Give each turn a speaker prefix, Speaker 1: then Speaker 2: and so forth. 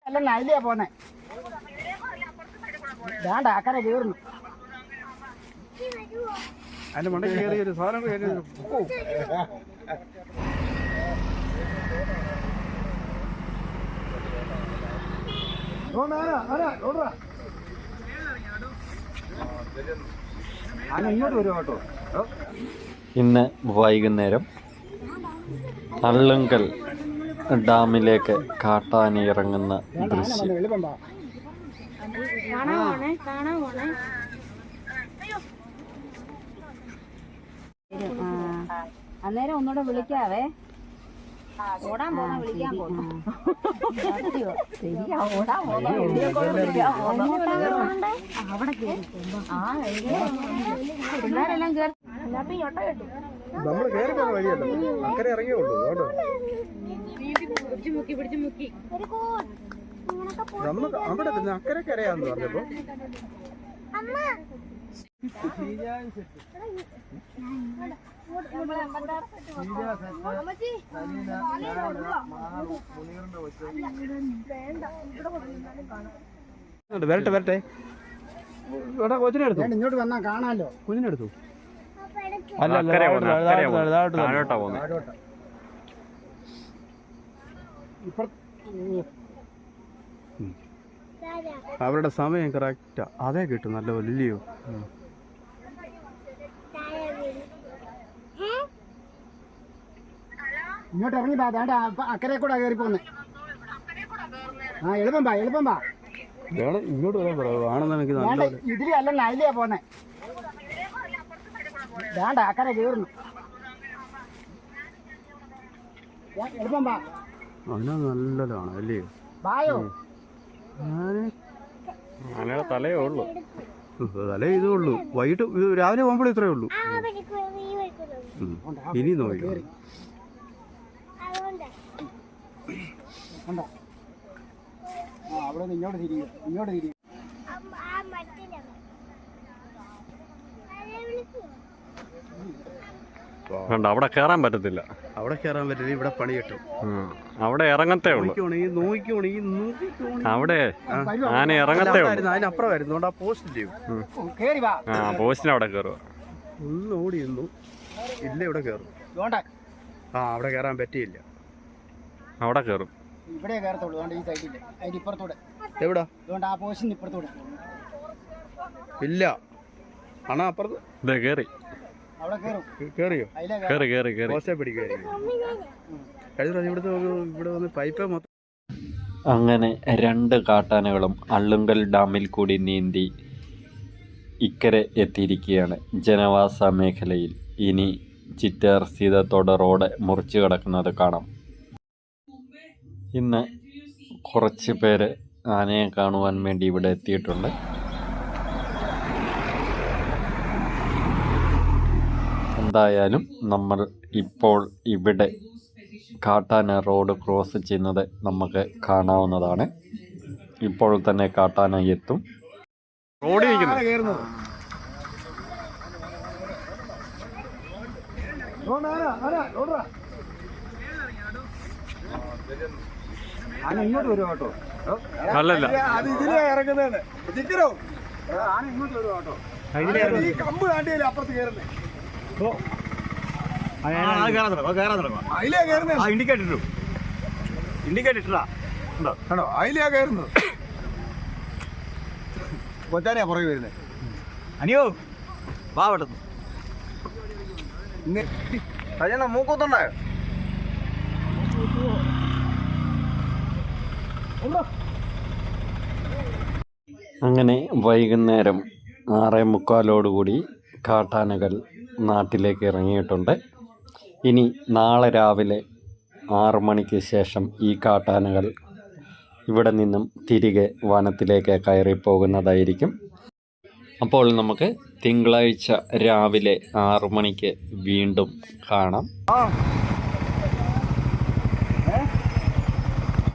Speaker 1: അല്ല നൈലിയാ പോന്നെ. വേണ്ട അക്കരെ കീറുന്നു.
Speaker 2: അതിന്റെ മണ്ടയ്ക്ക് കയറി ഒരു സാധനം ഇങ്ങോട്ട് വരും കേട്ടോ.
Speaker 3: ഇന്ന് വൈകുന്നേരം അള്ളുങ്കൽ ഡാമിലേക്ക് കാട്ടാനി ഇറങ്ങുന്ന ദൃശ്യം.
Speaker 4: അന്നേരം ഒന്നുകൂടെ വിളിക്കാവേ. ഓടാൻ പോന്ന വിളിക്കാൻ പോന്നു. അവിടെ പിള്ളേരെല്ലാം കേറി
Speaker 2: നമ്മള് കയറി പോകുന്ന വഴിയല്ലോ, അക്കരെ ഇറങ്ങിയുള്ളൂ. നമുക്ക് അവിടെ അക്കരെ കരയാന്ന് പറഞ്ഞപ്പോ വരട്ടെ വരട്ടെ. കൊച്ചിനെടുത്തു,
Speaker 1: ഇങ്ങോട്ട് വന്നാ കാണാലോ.
Speaker 2: കുഞ്ഞിനെടുത്തു. അവരുടെ സമയം കറക്റ്റാ. അതേ കിട്ടും നല്ല വലിയോ.
Speaker 1: ഇങ്ങോട്ട് ഇറങ്ങി വേണ്ട അക്കരെ കൂടെ കയറി പോന്നെ. എളുപ്പം പാ എളുപ്പം പാ.
Speaker 2: ഇങ്ങോട്ട് വരാൻ പറയുവാണെന്ന് എനിക്ക്
Speaker 1: വേണ്ട ഇതില് അല്ല നൈലിയാ പോന്നെ. വേണ്ട അക്കരെ കീറുന്നു. എളുപ്പം പാ.
Speaker 2: അതിനാ നല്ലതാണ് അല്ലേ.
Speaker 1: ബായോ
Speaker 3: തലയേ ഉള്ളൂ.
Speaker 2: തലേ ഇതേ ഉള്ളൂ. വൈകിട്ട് രാവിലെ പോകുമ്പോഴേ ഇത്രയേ ഉള്ളൂ. ഇനി നോക്കാം.
Speaker 1: അവിടെ ഇങ്ങോട്ട് തിരിയും, ഇങ്ങോട്ട് തിരിയും.
Speaker 3: അവിടെ കയറാൻ പറ്റത്തില്ല.
Speaker 2: അവിടെ കയറാൻ പറ്റില്ല. ഇവിടെ പണി കിട്ടും.
Speaker 3: അവിടെ ഇറങ്ങത്തേ ഉള്ളൂ. അവിടെ ആന ഇറങ്ങത്തേ ഉള്ളൂ.
Speaker 2: അതിനപ്പുറമായിരുന്നു. ആ പോസ്റ്റ്
Speaker 3: പോസ്റ്റിന് അവിടെ കയറുക.
Speaker 2: ഒന്ന് ഓടി നിന്നു. ഇല്ല ഇവിടെ കയറും. അവിടെ കയറാൻ പറ്റിയില്ല.
Speaker 3: അവിടെ കയറും.
Speaker 1: ഇവിടെ കയറത്തുള്ളൂ. ഈ സൈഡില് അതിന്റെ ഇപ്പുറത്തൂടെ.
Speaker 2: എവിടാ?
Speaker 1: ആ പോസ്റ്റിന് ഇപ്പുറത്തൂടെ
Speaker 2: ഇല്ല. ആണോ അപ്പുറത്ത്
Speaker 3: കയറി.
Speaker 1: അവിടെ കയറും.
Speaker 2: കയറിയോ?
Speaker 3: കയറി കയറി കയറി.
Speaker 2: പോസ്റ്റേ പിടിക്കുമായിരിക്കും. കഴിഞ്ഞ ഇവിടെ വന്ന് പൈപ്പ് മൊത്തം.
Speaker 3: അങ്ങനെ 2 കാട്ടാനകളും അള്ളുങ്കൽ ഡാമിൽ കൂടി നീന്തി ഇക്കരെ എത്തിയിരിക്കുകയാണ് ജനവാസ മേഖലയിൽ. ഇനി ചിറ്റാർ സീതത്തോട് റോഡ് മുറിച്ചു കിടക്കുന്നത് കാണാം. ഇന്ന് കുറച്ച് പേര് ആനയെ കാണുവാൻ വേണ്ടി ഇവിടെ എത്തിയിട്ടുണ്ട്. എന്തായാലും നമ്മൾ ഇപ്പോൾ ഇവിടെ കാട്ടാന റോഡ് ക്രോസ് ചെയ്യുന്നത് നമുക്ക് കാണാവുന്നതാണ്. ഇപ്പോൾ തന്നെ കാട്ടാന എത്തും. റോഡിൽ
Speaker 2: ഇങ്ങോട്ട് വരും കേട്ടോ.
Speaker 3: അല്ലല്ല
Speaker 2: അത് ഇതിലേ ഇറങ്ങുന്നതാണ്. ആന ഇങ്ങോട്ട് വരും കേട്ടോ. ഈ കമ്പ് താണ്ടിയല്ലേ അപ്പുറത്ത് കയറുന്നേ. അതിലേ കയറുന്നത്.
Speaker 3: ഇൻഡിക്കേറ്റർ ഇട്ടാ
Speaker 2: ആണോ? അതിലേ കയറുന്നത്. കൊച്ചാനെയാ പുറകെ വരുന്നത്.
Speaker 3: അനിയോ വാ പെട്ടെന്ന്.
Speaker 2: മൂക്കൊത്തുണ്ടായോ?
Speaker 3: അങ്ങനെ വൈകുന്നേരം 6:45 കാട്ടാനകൾ നാട്ടിലേക്ക് ഇറങ്ങിയിട്ടുണ്ട്. ഇനി നാളെ രാവിലെ 6 മണിക്ക് ശേഷം ഈ കാട്ടാനകൾ ഇവിടെ നിന്നും തിരികെ വനത്തിലേക്ക് കയറിപ്പോകുന്നതായിരിക്കും. അപ്പോൾ നമുക്ക് തിങ്കളാഴ്ച രാവിലെ 6 മണിക്ക് വീണ്ടും കാണാം.